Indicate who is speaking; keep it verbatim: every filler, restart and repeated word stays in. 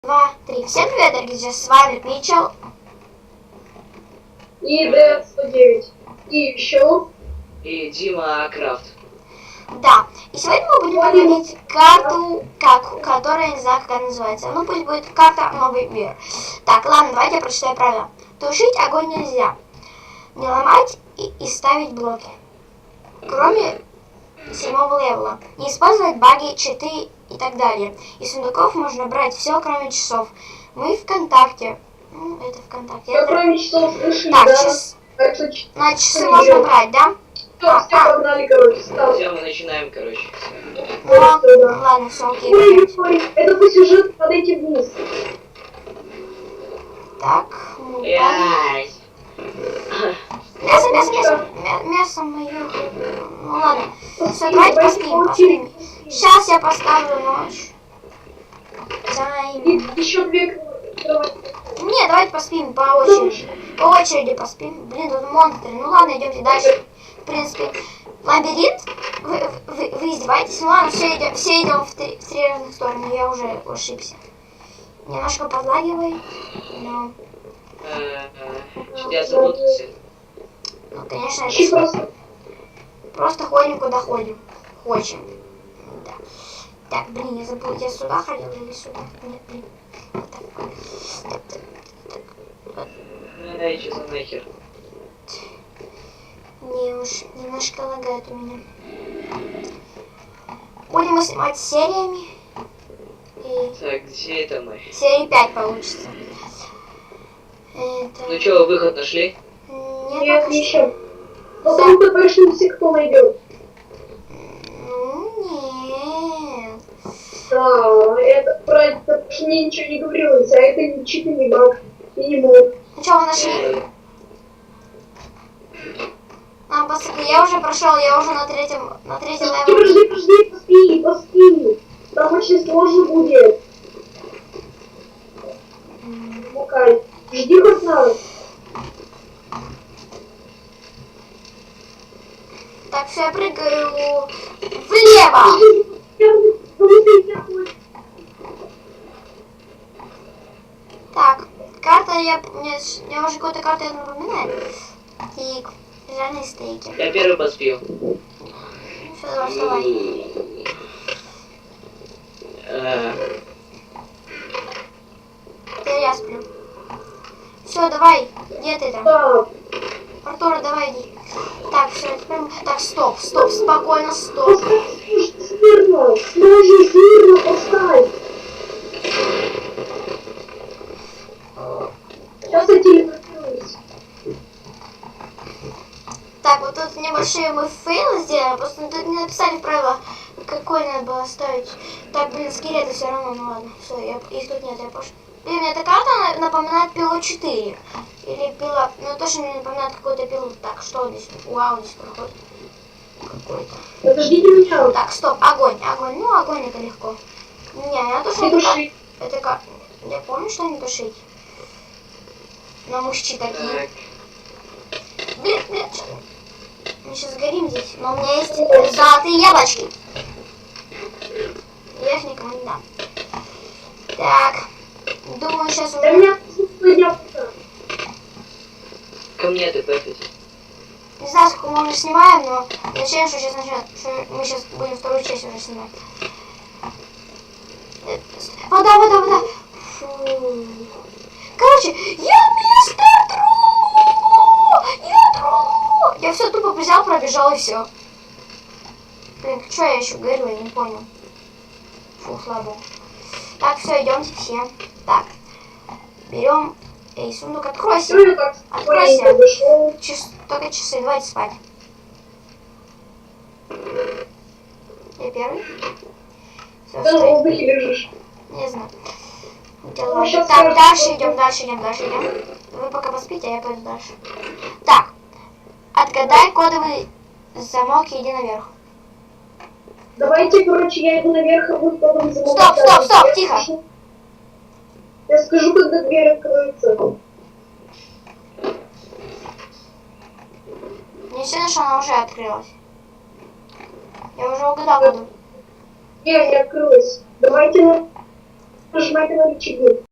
Speaker 1: Два, три. Всем привет, дорогие друзья, с вами Митчел.
Speaker 2: И Дэд сто девять. И еще.
Speaker 3: И Дима Крафт.
Speaker 1: Да, и сегодня мы будем проходить карту, как, которая, я не знаю, как она называется. Ну, пусть будет карта Новый мир. Так, ладно, давайте я прочитаю правила. Тушить огонь нельзя. Не ломать и, и ставить блоки. Кроме седьмого левела. Не использовать баги, читы и так далее. Из сундуков можно брать все, кроме часов. Мы ВКонтакте. Ну, это ВКонтакте.
Speaker 2: Я
Speaker 1: Это...
Speaker 2: кроме часов решили,
Speaker 1: Так,
Speaker 2: да?
Speaker 1: час...
Speaker 2: Так что ч-
Speaker 1: на часы
Speaker 2: не
Speaker 1: можно
Speaker 2: берем.
Speaker 1: брать, да?
Speaker 2: Все,
Speaker 1: А,
Speaker 2: все
Speaker 1: а.
Speaker 2: погнали, короче, стал.
Speaker 3: Все, мы начинаем, короче.
Speaker 1: Ну, ладно, все, окей.
Speaker 2: Ой, ой, это по сюжету, подойти вниз.
Speaker 1: Так, мы упали.
Speaker 3: Ясь.
Speaker 1: Мясо, мясо, мясо. Мя- Мясо мое. Ну ладно. Все, давайте поспим, поспим. Сейчас я поставлю ночь. Тайм.
Speaker 2: И еще две кровати.
Speaker 1: Не, давайте поспим по очереди. По очереди поспим. Блин, тут монстры. Ну ладно, идемте дальше. В принципе, лабиринт. Вы, вы, вы издеваетесь? Ну ладно, все идем, все идем в три, в три разных стороны. Я уже ошибся. Немножко подлагивает. Но,
Speaker 3: Что я запутался.
Speaker 1: ну, конечно,
Speaker 2: И
Speaker 1: это
Speaker 2: просто.
Speaker 1: просто ходим, куда ходим. Хочем. Да. Так, блин, я забыл, я сюда ходил или сюда? Нет, блин. Вот так. Так, так, так.
Speaker 3: Эй, что за нахер?
Speaker 1: Не уж, немножко лагает у меня. Будем мы снимать сериями. И
Speaker 3: Так, где это мы?
Speaker 1: серии пять получится. Это...
Speaker 3: Ну что, выход нашли?
Speaker 1: Нет,
Speaker 2: Нет,
Speaker 1: пока что.
Speaker 2: еще. Потому что пошли кто найдет.
Speaker 1: Ну, нет.
Speaker 2: Да, это про это мне ничего не говорилось, а это не читы, не баг. И не мог.
Speaker 1: Ну что, вы нашли? А, пацаны, я уже прошел, я уже на третьем, на третьем
Speaker 2: Подожди,
Speaker 1: левеле.
Speaker 2: подожди, подожди, поспи, поспи. Там очень сложно будет. Мукай. Жди хоть надо.
Speaker 1: Так, все, я прыгаю влево. Так, карта, я, мне, я уже какую-то карту я напоминаю. И жареные стейки.
Speaker 3: Я первый поспел.
Speaker 1: Ну, все, давай, вставай.
Speaker 3: Э,
Speaker 1: Теперь я сплю. Все, давай, где ты там?
Speaker 2: Так,
Speaker 1: Артур, давай иди. Так, все, теперь... мы- Так, стоп, стоп, спокойно, стоп.
Speaker 2: поставь смирно, сложи смирно поставь. Сейчас я телепортируюсь.
Speaker 1: Так, вот тут небольшие мы фейлы сделали, просто тут не написали в правилах, какой надо было ставить. Так, блин, скелеты все равно, ну ладно, все, я, их тут нет, я пошел. Блин, мне эта карта на- напоминает пилу четыре. Или пила, ну точно мне напоминает какую-то пилу. Так, что здесь? Вау, здесь проходит какой-то.
Speaker 2: Подождите меня.
Speaker 1: Так, стоп, огонь, огонь, ну огонь это легко. Не, я тушу
Speaker 2: Не
Speaker 1: это как,
Speaker 2: туши.
Speaker 1: это как, я помню, что не тушить. Но мужчи такие.
Speaker 3: так.
Speaker 1: Блин, блин, что? Мы сейчас горим здесь, но у меня есть э, золотые яблочки. Я их никому не дам. Так, думаю, сейчас
Speaker 2: Да
Speaker 1: уже...
Speaker 2: меня сегодня.
Speaker 3: Ко мне ты пэфить.
Speaker 1: Не знаю, сколько мы уже снимаем, но зачем, что сейчас начнем, что мы сейчас будем вторую часть уже снимать. Э, Вода, вода, вода. Фу. Короче, я мистер Тру! Я Тру! Я все тупо взял, пробежал и все. Блин, что я еще говорю, я не понял. Фу, слабо. Так, все, идемте все. Так, берем. Эй, сундук, откройся.
Speaker 2: Ну, я так
Speaker 1: Откройся.
Speaker 2: спокойненько дошел.
Speaker 1: Час, только часы, давайте спать. Я первый? Все,
Speaker 2: Да, на
Speaker 1: стой.
Speaker 2: воздухе лежишь.
Speaker 1: Не знаю. Хотя
Speaker 2: Ну,
Speaker 1: ладно.
Speaker 2: щас
Speaker 1: Так,
Speaker 2: скажу,
Speaker 1: дальше
Speaker 2: что-
Speaker 1: идем, дальше идем, дальше идем. Вы пока поспите, а я пойду дальше. Так, отгадай кодовый замок и иди наверх.
Speaker 2: Давайте, короче, я иду наверх, а вы потом замок.
Speaker 1: Стоп, стоп, стоп,
Speaker 2: Я
Speaker 1: тихо.
Speaker 2: скажу- Я скажу, когда дверь откроется.
Speaker 1: Не сильно, что она уже открылась. Я уже угадал коду.
Speaker 2: Не, не открылась. Давайте на... Нажимайте на рычаги.